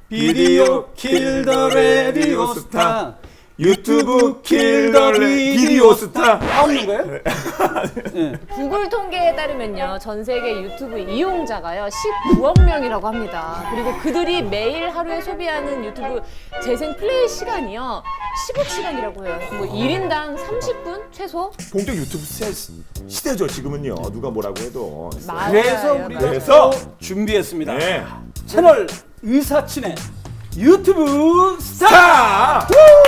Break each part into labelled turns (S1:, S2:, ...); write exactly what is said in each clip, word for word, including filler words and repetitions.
S1: 비디오 킬 더 라디오 스타. 유튜브 킬 더 비디오 스타. 다 없는 거예요?
S2: 네. 구글 통계에 따르면요, 전 세계 유튜브 이용자가요 십구억 명이라고 합니다. 그리고 그들이 매일 하루에 소비하는 유튜브 재생 플레이 시간이요 십억 시간이라고 해요. 뭐 일 인당 삼십 분 최소?
S3: 본격 유튜브 시대죠 지금은요. 누가 뭐라고 해도.
S2: 맞아요.
S1: 그래서 우리가
S3: 그래서
S1: 또 준비했습니다.
S3: 네.
S1: 채널 의사친의 유튜브 스타.
S3: 자,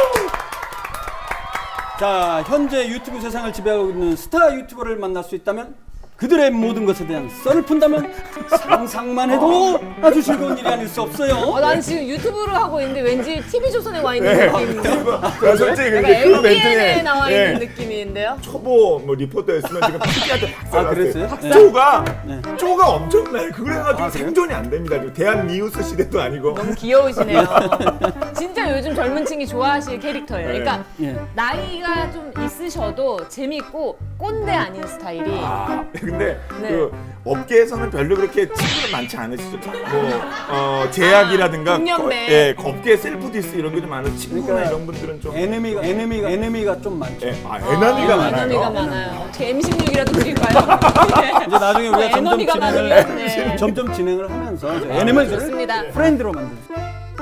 S1: 자, 현재 유튜브 세상을 지배하고 있는 스타 유튜버를 만날 수 있다면, 그들의 모든 것에 대한 썰을 푼다면 상상만 해도 아주 즐거운 일이 아닐 수 없어요.
S2: 어, 난 지금 유튜브를 하고 있는데 왠지 티비조선에 와 있는
S3: 네.
S2: 느낌인데.
S3: 아, 솔직히
S2: 약간
S3: 근데 그
S2: 엠비엔에
S3: 멘트에
S2: 나와
S3: 네.
S2: 있는 느낌인데요.
S3: 초보 뭐 리포터였으면 지금 피디한테 박살
S1: 아,
S3: 났어요.
S1: 그랬어요? 네.
S3: 쪼가
S1: 네.
S3: 쪼가 엄청나요. 그래가지고
S1: 아, 그래요?
S3: 생존이 안 됩니다. 지금 대한 뉴스 시대도 아니고.
S2: 너무 귀여우시네요. 진짜 요즘 젊은 층이 좋아하실 캐릭터예요. 그러니까
S1: 예.
S2: 나이가 좀 있으셔도 재밌고 꼰대 아닌 스타일이.
S3: 아, 근데
S2: 네.
S3: 그 업계에서는 별로 그렇게 친구가 많지 않으시죠? 뭐 어, 제약이라든가
S2: 아, 동년배.
S3: 거- 예, 업계 셀프 디스 이런 게 좀 많은 친구나
S1: 그러니까
S3: 이런 분들은 좀
S1: 에너미가 에너미가 에너미가 좀 많죠.
S3: 예, 아, 에너미가 많아요.
S2: 에너미가 많아요. 어떻게 엠 십육이라도 드릴까요?
S1: 이제 나중에 우리가 점점
S2: 에너미가
S1: 진행을
S2: 많으면 네.
S1: 점점 진행을 하면서 에너미들을
S2: 좋습니다.
S1: 프렌드로 만들죠.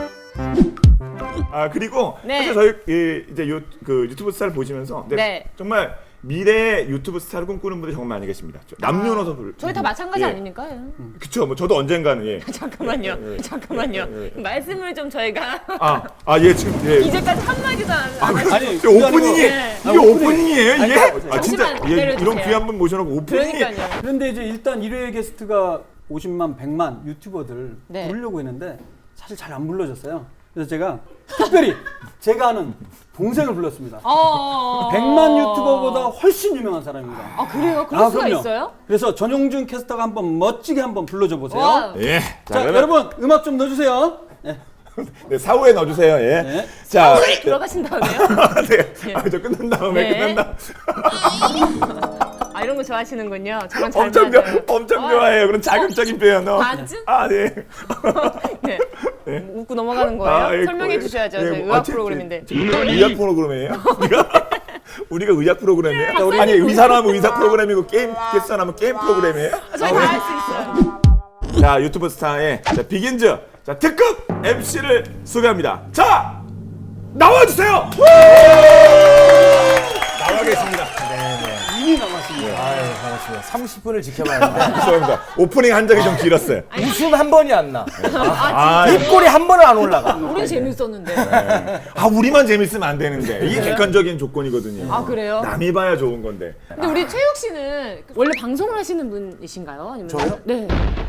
S3: 아 그리고
S2: 네.
S3: 사실 저희 이, 이제 유, 그 유튜브 스타를 보시면서 네,
S2: 네.
S3: 정말 미래 유튜브 스타를 꿈꾸는 분들이 정말 많이 계십니다. 저 남녀노소 불.
S2: 저희 다 마찬가지
S3: 예.
S2: 아닙니까?
S3: 그쵸. 뭐 저도 언젠가는 예.
S2: 잠깐만요.
S3: 예, 예.
S2: 잠깐만요.
S3: 예, 예.
S2: 말씀을 좀 저희가
S3: 아, 아, 예, 지금 예.
S2: 이제까지 한마디도 안
S3: 아,
S2: 하셨어요.
S1: 아니,
S3: 이게 오프닝이
S2: 네.
S3: 이게 오프닝이에요 이게? 아 진짜
S2: 잠시만
S3: 예,
S2: 기다려주세요.
S3: 이런 귀한 분 모셔놓고 오프닝이.
S2: 그러니까요.
S1: 그런데 이제 일단 일 회 게스트가 오십만, 백만 유튜버들
S2: 네.
S1: 부르려고 했는데 사실 잘 안 불러졌어요. 그래서 제가 특별히 제가 아는 동생을 불렀습니다.
S2: 어.
S1: 백만 유튜버보다 훨씬 유명한 사람입니다.
S2: 아 그래요? 그럴
S1: 아,
S2: 수가
S1: 그럼요.
S2: 있어요?
S1: 그래서 전용준 캐스터가 한번 멋지게 한번 불러줘 보세요.
S2: 와.
S3: 예.
S1: 자,
S3: 그러면-
S1: 여러분 음악 좀 넣어주세요. 예.
S3: 네, 사후에 넣어주세요. 예.
S1: 네.
S3: 자,
S2: 들어가신 다음에요?
S3: 네. 아, 저 끝난 다음에
S2: 네.
S3: 끝난 다음.
S2: 아 이런 거 좋아하시는군요. 저랑 잘
S3: 엄청 좋아,
S2: 맞아요.
S3: 엄청
S2: 와.
S3: 좋아해요. 그런 자극적인 표현어.
S2: 반쯤?
S3: 아, 네.
S2: 네. 웃고 넘어가는 거예요?
S3: 아, 예,
S2: 설명해
S3: 예,
S2: 주셔야죠.
S3: 예,
S2: 저희
S3: 뭐,
S2: 의학
S3: 아, 제-
S2: 프로그램인데.
S3: 제- 의학 프로그램이에요? 우리가 우리가 의학 프로그램이에요? 아니 의사라면 의사 프로그램이고 게임 게스트라면 게임 프로그램이에요?
S2: 저희 다 할 수 있어요.
S3: 자 유튜브 스타의 자, 비긴즈 자 특급 엠씨를 소개합니다. 자 나와주세요. 나와 계십니다.
S1: 이미 남았습니다.
S4: 아유, 반갑습니다. 삼십 분을 지켜봐야 하는데
S3: 죄송합니다. 오프닝 한 적이 좀 길었어요.
S4: 웃음 한 번이 안 나.
S3: 아,
S4: 입꼬리 한 번은 안 올라가.
S2: 우리 재밌었는데.
S3: 아 우리만 재밌으면 안 되는데 이게 객관적인 조건이거든요.
S2: 아 그래요?
S3: 남이 봐야 좋은 건데.
S2: 근데 우리 최욱 씨는 원래 방송을 하시는 분이신가요? 아니면
S4: 저요?
S2: 네.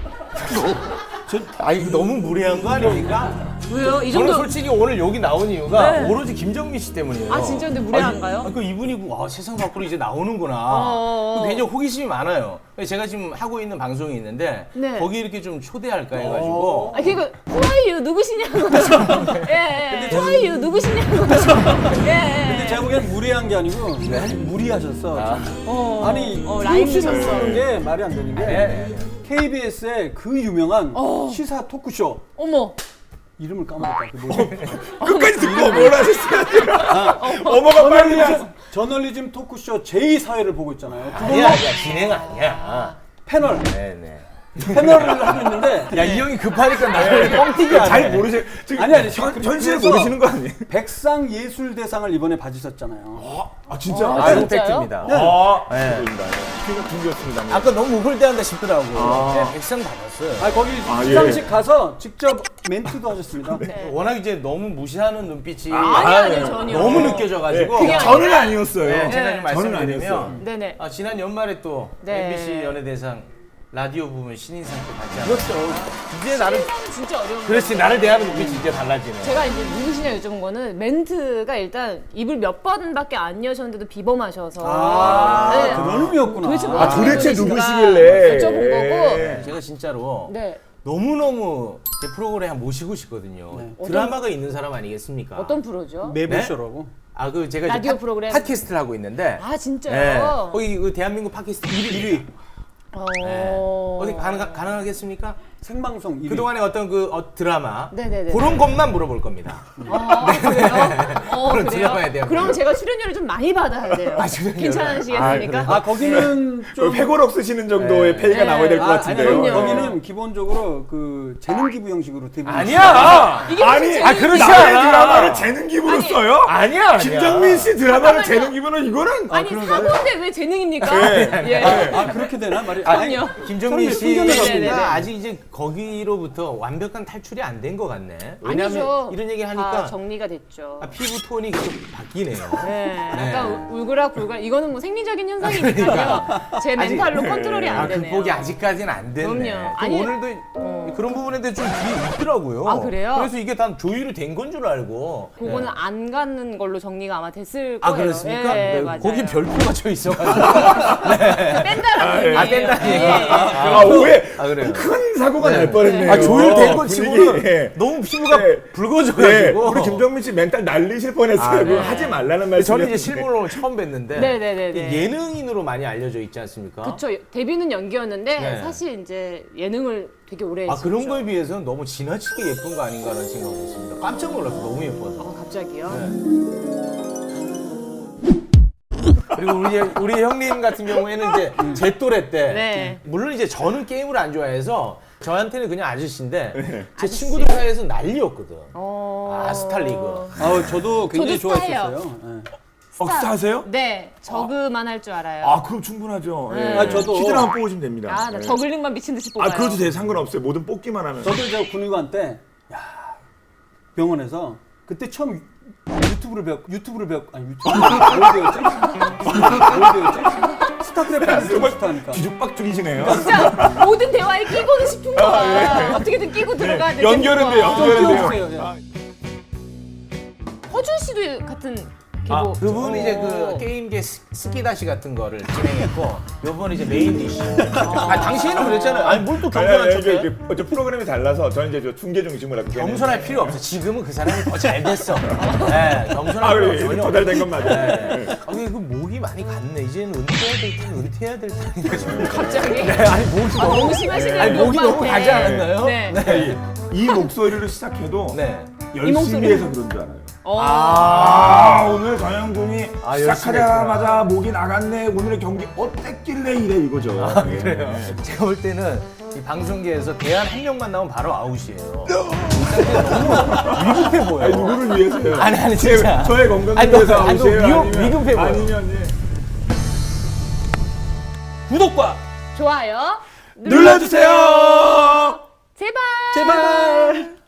S4: 아, 이거 너무 무례한 거 아닙니까?
S2: 왜요? 이
S4: 저는
S2: 정도.
S4: 솔직히 오늘 여기 나온 이유가
S2: 네.
S4: 오로지 김정민 씨 때문이에요.
S2: 아 진짜 근데 무례한가요?
S4: 아, 그 이분이 와 세상 밖으로 이제 나오는구나.
S2: 어.
S4: 그 굉장히 호기심이 많아요. 제가 지금 하고 있는 방송이 있는데
S2: 네.
S4: 거기 이렇게 좀 초대할까 해가지고.
S2: 아 그니까 후아이유 누구시냐고. 예. 예. 후아이유 누구시냐고. 예. 예.
S1: 근데 제가 보기엔 무리한 게 아니고 무리하셨어.
S4: 아.
S2: 어.
S1: 아니
S2: 어,
S1: 라임 씨는
S2: 라임이셨어.
S1: 쓰는 게 말이 안 되는 게
S4: 네.
S1: 케이비에스의 그 유명한
S2: 어.
S1: 시사 토크쇼
S2: 어머.
S1: 이름을 까먹었다. 그 뭐지?
S3: 끝까지 듣고 뭘 하셨어요? 어머가 빨리 하
S1: 저널리즘, 저널리즘 토크쇼 제이 사회를 보고 있잖아요. 그거
S4: 아니야, 아니야, 진행 아니야.
S1: 패널
S4: 네네.
S1: 패널을 하고 있는데
S4: 야, 이 형이 급하니까 나를 뻥튀기 안
S3: 잘
S4: 해.
S3: 모르시 지금
S1: 아니, 아니,
S3: 현-
S1: 그래서-
S3: 현실을 모르시는 거 아니에요?
S1: 백상 예술대상을 이번에 받으셨잖아요.
S3: 아 진짜?
S2: 아,
S4: 아,
S2: 진짜요?
S4: 팩트입니다.
S3: 아,
S4: 네.
S3: 죄송합니다. 피가 둥겼습니다.
S4: 아까 너무 우글대한다 싶더라고.
S3: 아.
S4: 네, 백상 받았어요.
S1: 아 거기
S3: 아, 예.
S1: 시상식 가서 직접 멘트도 하셨습니다.
S2: 네.
S4: 워낙 이제 너무 무시하는 눈빛이
S2: 아니, 아니, 전혀.
S4: 너무 느껴져가지고
S2: 그게 아니라-
S3: 저는 아니었어요.
S4: 네, 제가 좀
S3: 저는 아니었어요.
S4: 말씀드리면
S2: 네네.
S4: 아, 지난 연말에 또
S2: 네.
S4: 엠비씨 연예대상 라디오 부문 신인상 또 받지 않았어요.
S1: 그렇죠.
S4: 이제 나를
S2: 진짜 어려운
S4: 그렇지 나를 대하는 눈빛이 이제 달라지네.
S2: 제가 이제 누구시냐 여쭤본 거는 멘트가 일단 입을 몇 번밖에 안 여셨는데도 비범하셔서
S1: 아,
S2: 네.
S1: 그런 의미였구나.
S2: 도대체 뭐
S3: 아
S2: 하시는
S3: 도대체
S2: 분이신가
S3: 누구시길래?
S2: 여쭤본 거고.
S3: 예.
S4: 제가 진짜로
S2: 네.
S4: 너무너무 제 프로그램 모시고 싶거든요.
S1: 네.
S4: 드라마가 있는 사람 아니겠습니까?
S2: 어떤 프로죠?
S1: 매부쇼라고.
S4: 아 그 제가 이제
S2: 라디오
S4: 팟-
S2: 프로그램?
S4: 팟캐스트를 하고 있는데
S2: 아 진짜요?
S4: 네. 거기 그 대한민국 팟캐스트 일 위.
S2: 어...
S4: 네. 어디 가능 가능하겠습니까?
S1: 생방송 일 위.
S4: 그동안의 어떤 그 어, 드라마
S2: 네네네.
S4: 그런 것만 물어볼 겁니다.
S2: 어, 그래요? 어,
S4: 그런
S2: 그래요?
S4: 드라마에 대한
S2: 그럼
S4: 거.
S2: 제가 출연료를 좀 많이 받아야 돼요.
S4: 아, 출연료를?
S2: 괜찮으시겠습니까?
S1: 아 거기는 좀
S3: 회고록 쓰시는 정도의
S4: 네.
S3: 페이가
S2: 네.
S3: 나와야 될 것
S1: 아,
S3: 같은데요.
S1: 아니요.
S2: 그럼요.
S1: 거기는 기본적으로 그 재능 기부 형식으로 되고
S4: 아니야.
S2: 이게
S3: 아니,
S2: 무슨
S3: 아,
S2: 재능이-
S3: 그렇지
S4: 않아.
S3: 않아. 드라마를 재능 기부로
S2: 아니,
S3: 써요?
S4: 아니야. 아니야.
S3: 김정민 씨 드라마를
S2: 잠깐만요.
S3: 재능 기부는 이거는
S2: 아니
S1: 그런가요?
S2: 사고인데 왜 재능입니까?
S3: 네.
S2: 예.
S1: 아 그렇게 되나 말이
S2: 아니요.
S4: 김정민
S1: 사람들이 편견을 갖고
S2: 네네네.
S4: 씨가 아직 이제 거기로부터 완벽한 탈출이 안 된 것 같네. 왜냐하면
S2: 아니죠.
S4: 이런 얘기
S2: 다
S4: 하니까
S2: 정리가 됐죠.
S4: 아, 피부 톤이 계속 바뀌네요.
S2: 네,
S4: 네.
S2: 약간 울- 울그락불그락. 이거는 뭐 생리적인 현상이니까요. 제 멘탈로 컨트롤이 안
S4: 아,
S2: 되네요.
S4: 극복이 아직까지는 안 됐네.
S2: 그럼요.
S4: 그
S2: 아니,
S4: 오늘도
S2: 어.
S4: 그런 부분에 대해 좀 뒤에 있더라고요.
S2: 아, 그래요?
S4: 그래서 이게 다 조율이 된 건 줄 알고.
S2: 그거는
S4: 네.
S2: 안 가는 걸로 정리가 아마 됐을
S4: 아,
S2: 거예요.
S4: 그렇습니까?
S2: 예,
S4: 네,
S2: 맞아요.
S4: 거기 별표가 쳐 있어가지고.
S2: 뺀다라는 얘기예요.
S4: 아, 뺀다는 얘기.
S2: 예.
S3: 아, 오해.
S4: 아, 그래요?
S3: 큰 사고가
S4: 네.
S3: 날 뻔했네요.
S4: 아, 조율된 거
S3: 분위기.
S4: 치고는
S3: 예.
S4: 너무 피부가
S3: 네. 네,
S4: 붉어져가지고.
S3: 우리 김정민 씨 멘탈 날리실 뻔했어요.
S4: 아,
S3: 그거
S4: 네.
S3: 하지 말라는 말씀.
S4: 저는 이제 실물로 처음 뵀는데
S2: 네네네네.
S4: 예능인으로 많이 알려져 있지 않습니까?
S2: 그쵸. 데뷔는 연기였는데
S4: 네.
S2: 사실 이제 예능을 되게 오래
S4: 아
S2: 했었죠.
S4: 그런 거에 비해서는 너무 지나치게 예쁜 거 아닌가라는 생각을 했습니다. 깜짝 놀랐어, 너무 예뻐서.
S2: 어, 갑자기요?
S4: 네. 그리고 우리 우리 형님 같은 경우에는 이제 제 또래 때
S2: 네.
S4: 물론 이제 저는 게임을 안 좋아해서 저한테는 그냥 아저씨인데 제
S2: 아저씨?
S4: 친구들 사이에서 난리였거든.
S2: 어...
S4: 아, 스타리그.
S1: 아 저도 굉장히
S2: 저도 스타예요.
S1: 좋아했었어요. 예.
S3: 어, 스타 하세요?
S2: 네, 저그만 할 줄 알아요.
S3: 아, 그럼 충분하죠. 예.
S2: 네.
S1: 아, 저도-
S3: 퀴즈를 한번 뽑으시면 됩니다.
S2: 아, 나
S3: 예.
S2: 저글링만 미친 듯이 뽑아요.
S3: 아, 그것도 돼. 상관없어요. 뭐든 뽑기만 하면.
S1: 저도 저 군의관 때 야, 병원에서 그때 처음 유튜브를 배웠 유튜브를 배웠 아니 유튜브 뭘 배웠지? 뭘 배웠지? 스타크래프트 스타니까.
S3: 뒤죽박 죽이시네요.
S2: 진짜 모든 대화에 끼고는 싶은 거야. 어떻게든 끼고 들어가야 돼.
S3: 연결은 돼요.
S1: 좀
S3: 연결은 돼요.
S1: 끼워주세요.
S3: 아,
S2: 허준 씨도 같은
S4: 아,
S2: 계보.
S4: 그분 이제 그
S2: 오.
S4: 게임계 스- 스키다시 같은 거를 진행했고 요번 이제 메인 디시. 아 당시에는 그랬잖아요. 아니 뭘 또
S3: 아니, 아니,
S4: 겸손한
S3: 이게,
S4: 척해?
S3: 이게 어째 프로그램이 달라서 저는 이제 저 중계 중심을 하고
S4: 겸손할 필요 없어. 지금은 그 사람이 더 잘 됐어. 네, 겸손할
S3: 아,
S4: 필요
S3: 그래.
S4: 전혀
S3: 도달된 건 맞아요.
S4: 네. 아, 근데 그 목이 많이 갔네. 이제는 은퇴해야 될 때, 은퇴해야 될 때.
S2: 갑자기.
S4: 네, 아니 목이
S2: 아,
S4: 너무,
S2: 너무 심하시네요.
S4: 아니, 목이 너무
S2: 오빠한테.
S4: 가지 않았나요?
S2: 네.
S3: 네. 이 목소리를 시작해도
S4: 네.
S2: 이 목소리.
S3: 열심히 해서 그런 줄 알아요.
S2: 어.
S3: 아, 오늘 전현궁이
S4: 아, 열심히
S3: 시작하자마자 목이 나갔네. 오늘의 경기 어땠길래 이래 이거죠.
S4: 아,
S3: 네.
S4: 그래요. 제가 볼 때는 이 방송계에서 대안 한 명만 나오면 바로 아웃이에요. 이 상태 너무 위급해 보여.
S3: 아니, 누구를 위해서요?
S4: 아니, 아니, 진짜.
S3: 저의 건강을
S4: 아니, 너-
S3: 위해서
S4: 아니, 너
S3: 아웃이에요?
S4: 위험-
S3: 아니면-
S4: 위급해 보여.
S3: 아니면 예.
S1: 구독과
S2: 좋아요.
S3: 눌러주세요.
S2: 제발.
S1: 제발.